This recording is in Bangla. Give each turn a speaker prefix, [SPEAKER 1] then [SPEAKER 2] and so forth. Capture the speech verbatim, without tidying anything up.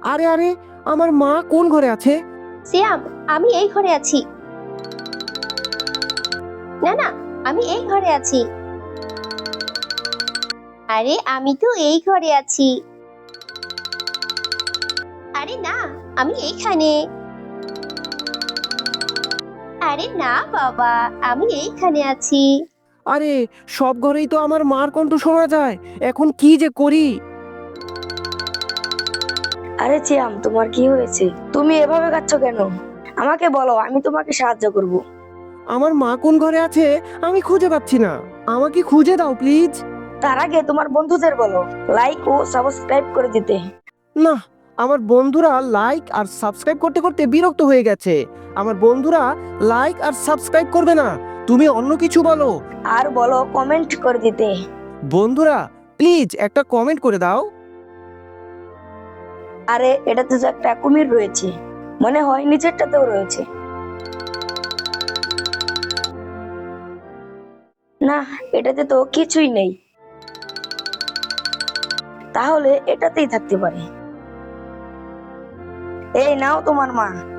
[SPEAKER 1] আরে আরে, আমার মা কোন ঘরে আছে?
[SPEAKER 2] সিয়াম, আমি এই ঘরে আছি। না না, আমি এই ঘরে আছি। আরে আমি তো এই ঘরে আছি। আরে না, আমি এইখানে। আরে না বাবা, আমি এইখানে আছি।
[SPEAKER 1] আরে, সব ঘরেই তো আমার মার কণ্ঠ শোনা যায়। এখন কি যে করি?
[SPEAKER 3] আরে চিয়াম, তোমার কি হয়েছে? তুমি এভাবে কাঁদছ কেন? আমাকে বলো, আমি তোমাকে সাহায্য করব।
[SPEAKER 1] আমার মা কোন ঘরে আছে আমি খুঁজে পাচ্ছি না। আমাকে খুঁজে দাও প্লিজ।
[SPEAKER 3] তার আগে তোমার বন্ধুদের বলো লাইক ও সাবস্ক্রাইব করে দিতে।
[SPEAKER 1] না, আমার বন্ধুরা লাইক আর সাবস্ক্রাইব করতে করতে বিরক্ত হয়ে গেছে। আমার বন্ধুরা লাইক আর সাবস্ক্রাইব করবে না। তুমি অন্য কিছু বলো।
[SPEAKER 3] আর বলো কমেন্ট করে দিতে।
[SPEAKER 1] বন্ধুরা প্লিজ একটা কমেন্ট করে দাও।
[SPEAKER 3] আরে এটাতে তো একটা কুমির রয়েছে, মনে হয় নিচেরটাতেও রয়েছে। না, এটাতে তো কিছুই নেই। তাহলে এটাতেই থাকতে পারে। এই নাও তোমার মা।